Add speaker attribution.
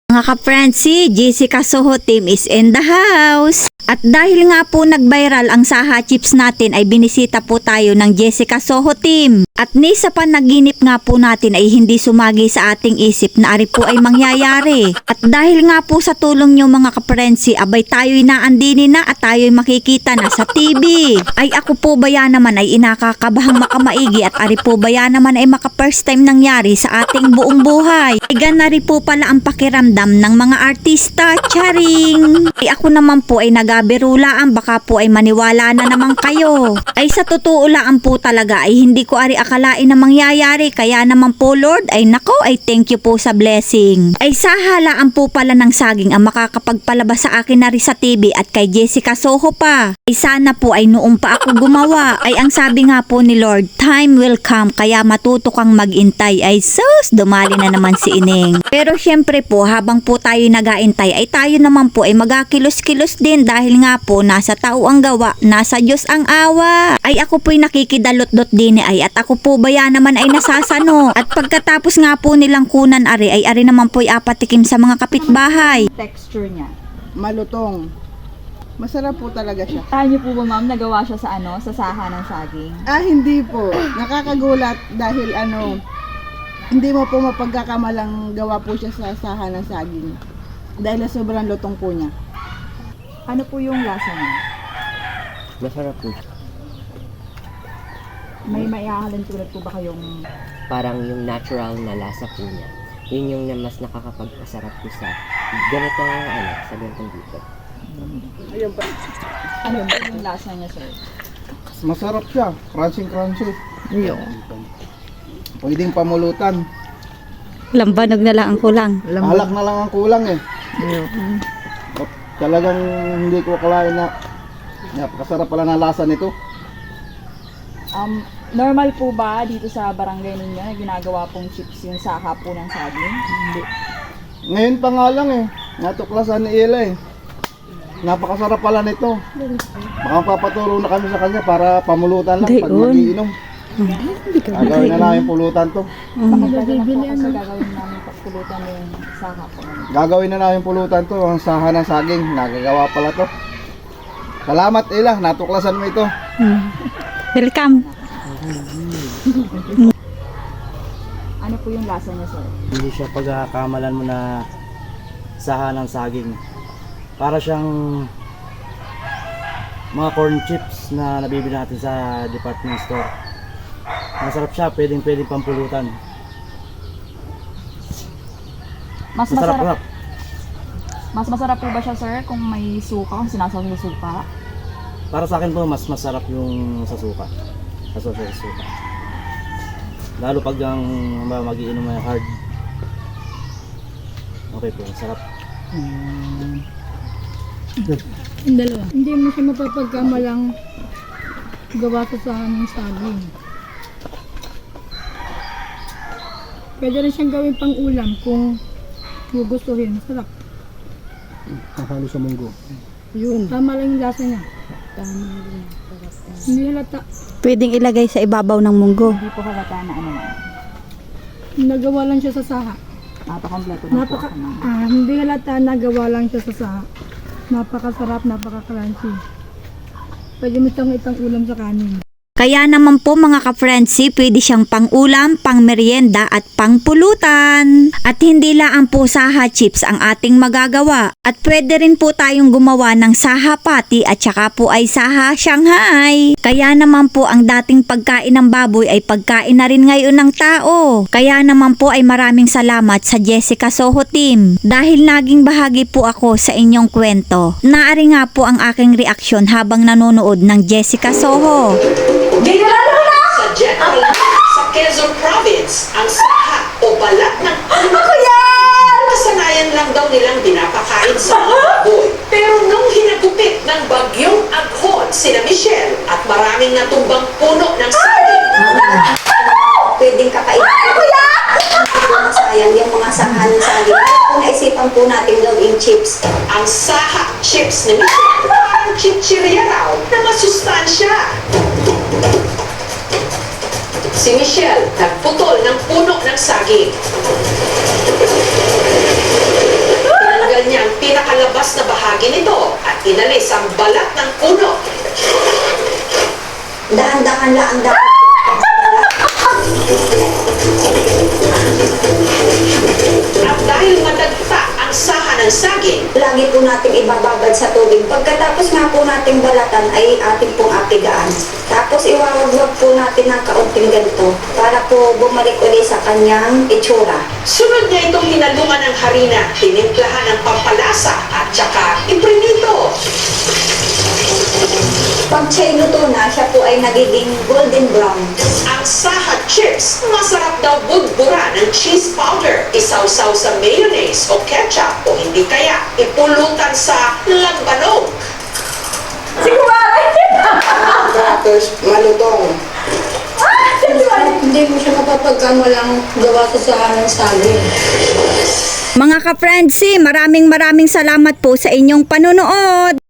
Speaker 1: Mga ka-friends, si Jessica Soho team is in the house. At dahil nga po nag-viral ang Saha Chips natin ay binisita po tayo ng Jessica Soho team. At ni sa panaginip nga po natin ay hindi sumagi sa ating isip na ari po ay mangyayari. At dahil nga po sa tulong nyo mga ka-friends, abay tayo'y naandini na at tayo'y makikita na sa TV. Ay ako po ba yan naman ay inakakabahang makamaigi at ari po ba yan naman ay maka first time nangyari sa ating buong buhay. Ay ganari po pala ang pakiramdam ng mga artista, charing. Ay ako naman po ay nagabirulaan, baka po ay maniwala na naman kayo. Ay sa totoo lang po talaga ay hindi ko ari akalain na mangyayari, kaya naman po Lord ay nako ay thank you po sa blessing. Ay sahalaan po pala ng saging ang makakapagpalabas sa akin na rin sa TV at kay Jessica Soho pa. Ay sana po ay noong pa ako gumawa. Ay ang sabi nga po ni Lord, time will come, kaya matuto kang magintay. Ay sus, dumali na naman si Ineng. Pero syempre po habang po tayo nagaintay ay tayo naman po ay magakilos-kilos din dahil nga po nasa tao ang gawa, nasa Diyos ang awa. Ay ako po'y nakikidalot-dot din ay at ako po ba yan naman ay nasasano. At pagkatapos nga po nilang kunan ari naman po'y apatikim sa mga kapitbahay.
Speaker 2: Texture niya.
Speaker 3: Malutong. Masarap po talaga siya.
Speaker 2: Kaya niyo po ba ma'am, nagawa siya sa sa saha ng saging?
Speaker 3: Hindi po. Nakakagulat dahil hindi mo po mapagkakamalang gawa po siya sa saha ng saging. Dahil sobrang lutong po niya.
Speaker 2: Ano po yung lasa niya?
Speaker 4: Masarap po.
Speaker 2: May maihahalin tulad po ba kayong...
Speaker 4: Parang yung natural na lasa po niya. Yun yung na mas nakakapagpasarap po sa ganitong sa ganitong dito.
Speaker 3: Ayun pa.
Speaker 2: Ano po yung lasa niya, sir?
Speaker 5: Masarap siya. Crunchy.
Speaker 3: Ayun.
Speaker 5: Pwedeng pamulutan.
Speaker 1: Lambanog na lang ang kulang.
Speaker 5: Alak na lang ang kulang eh. At talagang hindi ko akalain na napakasarap pala na lasa nito.
Speaker 2: Normal po ba dito sa barangay ninyo na ginagawa pong chips yung saha po ng saging?
Speaker 3: Hindi.
Speaker 5: Ngayon pa nga lang eh. Natuklasan ni Ella eh. Napakasarap pala nito. Baka papaturo na kami sa kanya para pamulutan lang pag magiinom. Gagawin na namin pulutan to.
Speaker 2: Pagkakataon po kasi gagawin namin pagpulutan yung saha po.
Speaker 5: Gagawin na namin pulutan to. Ang saha ng saging. Nagagawa pala to. Salamat Ella. Natuklasan mo ito.
Speaker 1: Welcome.
Speaker 2: Ano po yung lasa niya, sir?
Speaker 6: Hindi siya pagkakamalan mo na saha ng saging. Para siyang mga corn chips na nabibili natin sa department store. Masarap siya, pwedeng pampulutan.
Speaker 2: Mas
Speaker 6: Masarap.
Speaker 2: masarap po ba siya, sir, kung may suka, kung sinasaw sa suka?
Speaker 6: Para sa akin po, mas masarap yung sa suka. Sa suka. Lalo pag ang magiinom ay hard. Okay po, masarap.
Speaker 7: Yung dalawa. Hindi mo siya mapapagkamalang gawa sa sahan ng saging. Pwede rin siyang gawin pang ulam kung gugustuhin. Masarap.
Speaker 5: Halo sa munggo.
Speaker 7: Yun. Tama lang yung lasa niya. Tama lang. Hindi halata.
Speaker 1: Pwedeng ilagay sa ibabaw ng munggo.
Speaker 2: Hindi po halata na ano na.
Speaker 7: Nagawa lang siya sa saha.
Speaker 2: Napaka-kompleto na po.
Speaker 7: Hindi halata, nagawa lang siya sa saha. Napakasarap, napaka-crunchy. Pwede mo siyang itang ulam sa kanin.
Speaker 1: Kaya naman po mga ka-friends, pwede siyang pang-ulam, pang-merienda at pang-pulutan. At hindi lang po saha chips ang ating magagawa. At pwede rin po tayong gumawa ng saha patty at saka po ay saha Shanghai. Kaya naman po ang dating pagkain ng baboy ay pagkain na rin ngayon ng tao. Kaya naman po ay maraming salamat sa Jessica Soho team. Dahil naging bahagi po ako sa inyong kwento. Naari nga po ang aking reaksyon habang nanonood ng Jessica Soho.
Speaker 8: Sa General sa Quezon Province, ang saha o balat ng kasanayan lang daw nilang dinapakain sa mga baboy. Pero nung hinagupit ng bagyong Aghon sina Michelle at maraming natumbang puno ng saging,
Speaker 9: pwedeng kakainin. Sayang yung mga saha ng saging. Kung naisipan po natin gawing chips.
Speaker 8: ang saha chips ni Michelle parang chichirya raw na masustansya. Si Michelle nagputol ng puno ng saging. saging ito at inalis ang balat ng puno.
Speaker 9: Dahan-dahan lang ang dapat.
Speaker 8: At dahil madagta ang saha ng saging,
Speaker 9: Lagi po nating ibababad sa tubig. Pagkatapos nga po nating balatan ay ating pong apigaan. Tapos iwawagwag po natin ng kaunting ganito para po bumalik uli sa kanyang itsura.
Speaker 8: sunod niya itong hinalungan ng harina, tinimplahan ng pampalasa at saka iprinito.
Speaker 9: Pag siya'y luto na, siya po ay nagiging golden brown.
Speaker 8: Ang saha chips, masarap daw budbura ng cheese powder, isawsaw sa mayonnaise o ketchup o hindi kaya ipulutan sa lambanog.
Speaker 3: Tapos malutong.
Speaker 7: Hindi mo siya mapapagkamalang gawa sa sahan ng saging.
Speaker 1: Mga ka-friendsi, maraming salamat po sa inyong panunood.